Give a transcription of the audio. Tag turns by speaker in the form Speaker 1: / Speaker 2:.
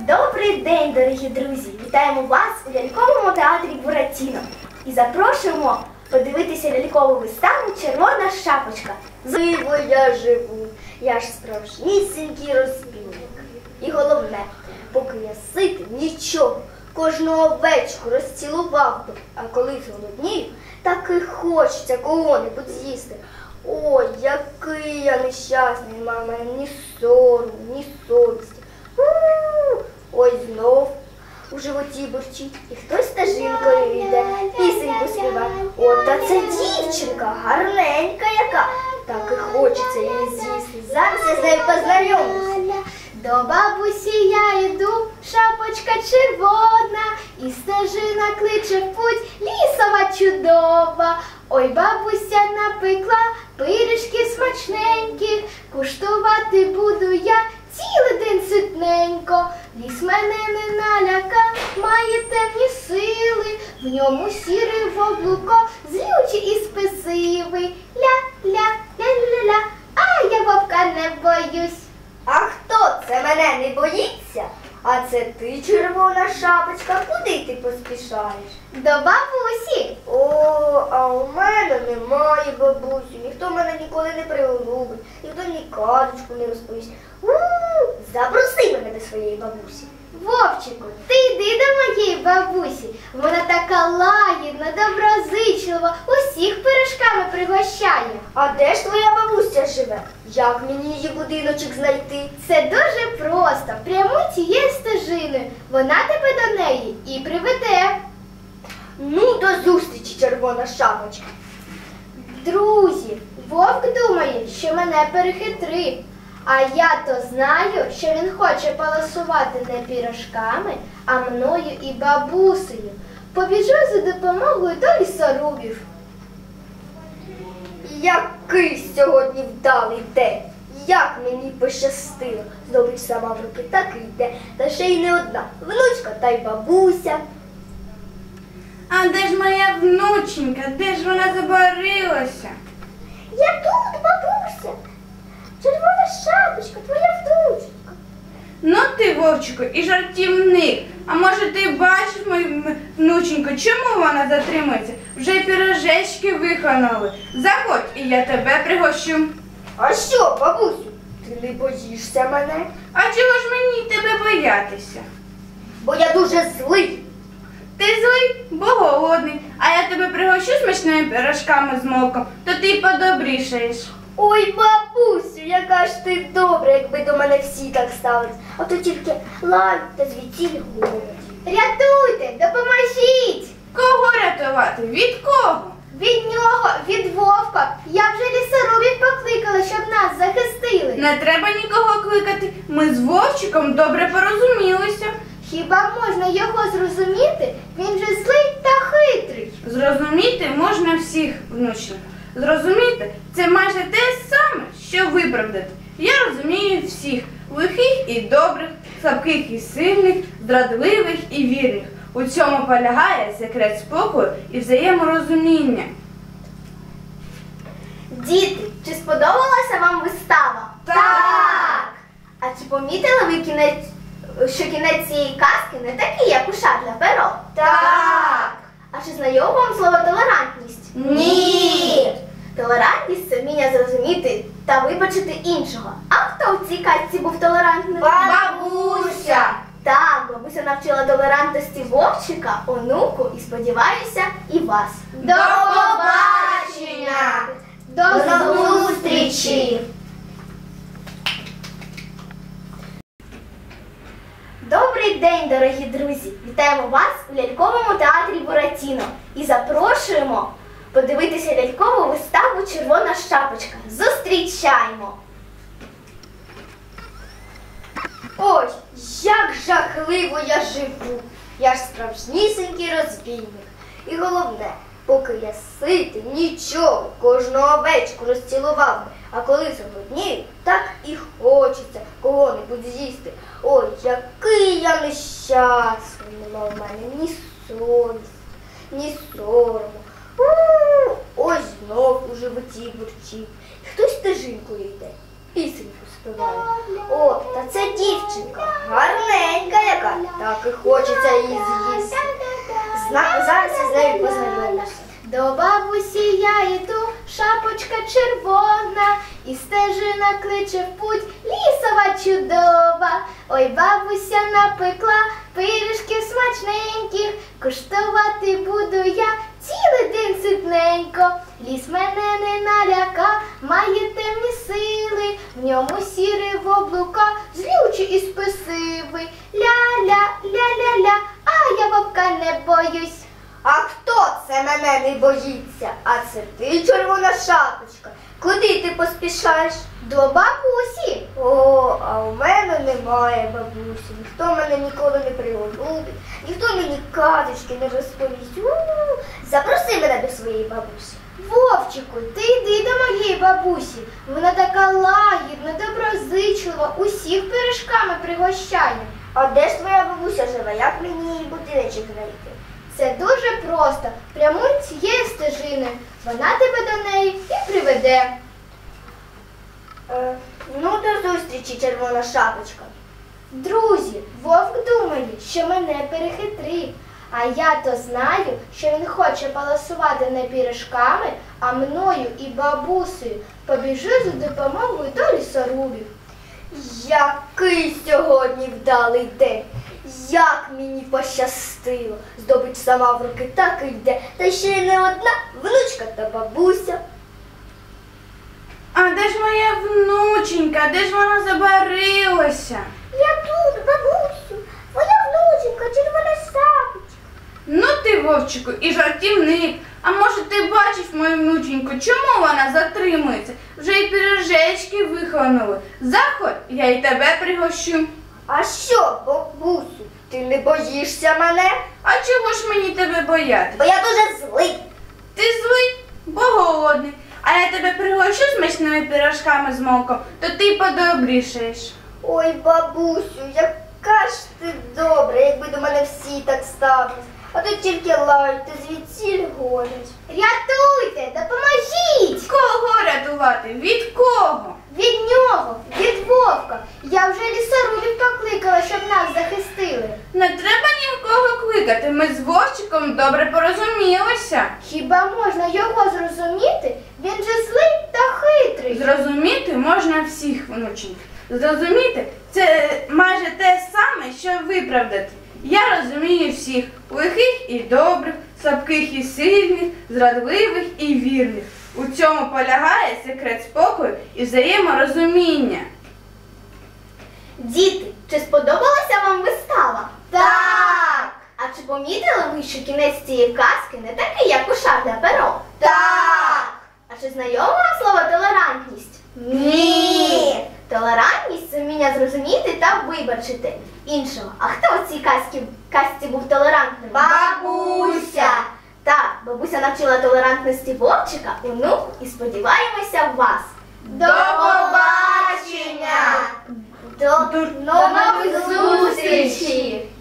Speaker 1: Добрий день, дорогі друзі! Вітаємо вас у ляльковому театрі Буратіно і запрошуємо подивитися лялькову виставу «Червона шапочка».
Speaker 2: Живо я живу, я ж справжнісінький розбійник. І головне, поки я ситий, нічого, кожну овечку розцілував би, а коли зголоднію, так і хочеться кого-небудь з'їсти. Ой, який я нещасний, мама, ні сорому, ні совісті. Ой, знов у животі бурчить, і хтось стежинкою йде, пісеньку співає. От, та це дівчинка, гарненька яка, так і хочеться її з'їсти. Зараз я з нею познайомлюся.
Speaker 1: До бабусі я йду, шапочка червона, і стежина кличе в путь, лісова чудова. Ой, бабуся напекла пиріжки смачненькі, куштувати буду я цілий день ситненько. Ліс мене не наляка, має темні сили, в ньому сірий вовлуко, злючий і спесивий. Ля-ля-ля-ля-ля, а я вовка не боюсь.
Speaker 2: А хто це мене не боїться? А це ти, червона шапочка, куди ти поспішаєш?
Speaker 1: До бабусі.
Speaker 2: О, а у мене немає бабусі, ніхто мене ніколи не приголубить, ніхто мені казочку не розповість. Запроси мене до своєї бабусі.
Speaker 1: Вовчику, ти йди до моєї бабусі. Вона така лагідна, доброзичлива, усіх пиріжками пригощає.
Speaker 2: А де ж твоя бабуся живе? Як мені її будиночок знайти?
Speaker 1: Це дуже просто. Прямуй цією стежиною. Вона тебе до неї і приведе.
Speaker 2: Ну, до зустрічі, червона шапочка.
Speaker 1: Друзі, вовк думає, що мене перехитрив. А я то знаю, що він хоче поласувати не пірожками, а мною і бабусею. Побіжу за допомогою до лісорубів.
Speaker 2: Який сьогодні вдалий день! Як мені пощастило! Здобич сама в руки так і йде, та ще й не одна. Внучка та й бабуся.
Speaker 3: А де ж моя внученька? Де ж вона забарилася?
Speaker 2: Я тут, бабуся. Червона шапочка, твоя внучка.
Speaker 3: Ну ти, вовчику, і жартівник. А може ти бачиш мою внученьку, чому вона затримується? Вже й пірожечки вихонули. Заходь, і я тебе пригощу.
Speaker 2: А що, бабусю, ти не боїшся мене?
Speaker 3: А чого ж мені тебе боятися?
Speaker 2: Бо я дуже злий.
Speaker 3: Ти злий, бо голодний, а я тебе пригощу смачними пирожками з молоком, то ти й подобрішаєш.
Speaker 2: Ой, бабусю, яка ж ти добра, якби до мене всі так ставились. А то тільки лай та звідтіль голод.
Speaker 1: Рятуйте, допоможіть!
Speaker 3: Кого рятувати? Від кого?
Speaker 1: Від нього, від вовка. Я вже лісорубів покликала, щоб нас захистили.
Speaker 3: Не треба нікого кликати. Ми з Вовчиком добре порозумілися.
Speaker 1: Хіба можна його зрозуміти? Він же злий та хитрий.
Speaker 3: Зрозуміти можна всіх, внученька. Зрозуміти – це майже те саме, що виправдати. Я розумію всіх – лихих і добрих, слабких і сильних, зрадливих і вірних. У цьому полягає секрет спокою і взаєморозуміння.
Speaker 1: Діти, чи сподобалася вам вистава?
Speaker 3: Так!
Speaker 1: А чи помітили ви що кінець цієї казки не такий, як у Шарля Перо?
Speaker 3: Так!
Speaker 1: А чи знайомо вам слово толерантність?
Speaker 3: Ні!
Speaker 1: Толерантність – це вміння зрозуміти та вибачити іншого. А хто в цій казці був толерантним?
Speaker 3: Бабуся!
Speaker 1: Так, бабуся навчила толерантності Вовчика, онуку і, сподіваюся, і вас.
Speaker 3: До побачення!
Speaker 1: До зустрічі! Добрий день, дорогі друзі! Вітаємо вас у ляльковому театрі Буратіно і запрошуємо подивитися лялькову виставу «Червона шапочка». Зустрічаємо!
Speaker 2: Ой, як жахливо я живу. Я ж справжнісінький розбійник. І головне, поки я ситий, нічого, кожну овечку розцілував би. А коли зголоднію, так і хочеться кого-небудь з'їсти. Ой, який я нещасний. Нема в мене ні совісті, ні сорому. Ось знов у животі бурчить. Хтось стежинкою йде, пісеньку співає. співає. О, та це дівчинка, гарненька яка, так і хочеться її з'їсти. Зараз я з нею познайомлюся.
Speaker 1: До бабусі я йду, шапочка червона, і стежина кличе в путь, лісова чудова. Ой, бабуся напекла пиріжків смачненьких, куштувати буду я цілий день ситненько. Ліс мене не наляка, має темні сили, в ньому сірий воблука, злючий і спесивий. Ля-ля, ля-ля-ля, а я вовка не боюсь.
Speaker 2: А хто це мене не боїться? А це ти, червона шапочка. Куди ти поспішаєш?
Speaker 1: До бабусі.
Speaker 2: О, а у мене немає бабусі. Ніхто мене ніколи не приголубить, ніхто мені казочки не розповість. Запроси мене до своєї бабусі.
Speaker 1: Вовчику, ти йди до моєї бабусі. Вона така лагідна, доброзичлива, усіх пиріжками пригощає.
Speaker 2: А де ж твоя бабуся живе? Як мені її будиночок знайти?
Speaker 1: Це дуже просто. Прямуй цією стежиною. Вона тебе до неї і приведе.
Speaker 2: Ну, до зустрічі, червона шапочка.
Speaker 1: Друзі, вовк думає, що мене перехитрив. А я то знаю, що він хоче паласувати не пиріжками, а мною і бабусею. Побіжу за допомогою до лісорубів.
Speaker 2: Який сьогодні вдалий день! Як мені пощастило! Здобич сама в руки так і йде, та ще й не одна внучка та бабуся.
Speaker 3: А де ж моя внученька? Де ж вона забарилася?
Speaker 2: Я тут, бабусю, твоя внученька, червона шапочка.
Speaker 3: Ну ти, вовчику, і жартівник. А може ти бачив мою внученьку? Чому вона затримується? Вже й пиріжечки вихланули. Заходь, я й тебе пригощу.
Speaker 2: А що, бабусю, ти не боїшся мене?
Speaker 3: А чого ж мені тебе бояти?
Speaker 2: Бо я дуже злий.
Speaker 3: Ти злий, бо голодний. А я тебе пригощу смачними пиріжками з молоком, то ти подобрішаєш.
Speaker 2: Ой, бабусю, яка ж ти добра, якби до мене всі так ставились. А тут тільки лають, та звідсіль гонять.
Speaker 1: Рятуйте, допоможіть!
Speaker 3: Кого рятувати? Від кого?
Speaker 1: Від нього, від вовка. Я вже лісорубів покликала, щоб нас захистили.
Speaker 3: Не треба нікого кликати, ми з Вовчиком добре порозумілися.
Speaker 1: Хіба можна його зрозуміти? Він же злий та хитрий.
Speaker 3: Зрозуміти можна всіх, внученьки. Зрозуміти – це майже те саме, що виправдати. Я розумію всіх – лихих і добрих, слабких і сильних, зрадливих і вірних. У цьому полягає секрет спокою і взаєморозуміння.
Speaker 1: Діти, чи сподобалася вам вистава?
Speaker 2: Так!
Speaker 1: А чи помітили ви, що кінець цієї казки не такий, як у Шарля Перо?
Speaker 2: Так!
Speaker 1: А чи знайоме вам слово толерантність?
Speaker 2: Ні!
Speaker 1: Толерантність – це вміння зрозуміти та вибачити іншого. А хто у цій казці був толерантним?
Speaker 2: Бабуся!
Speaker 1: Так, бабуся навчила толерантності Вовчика, онук, і сподіваємося в вас.
Speaker 2: До побачення!
Speaker 1: До нових зустрічей!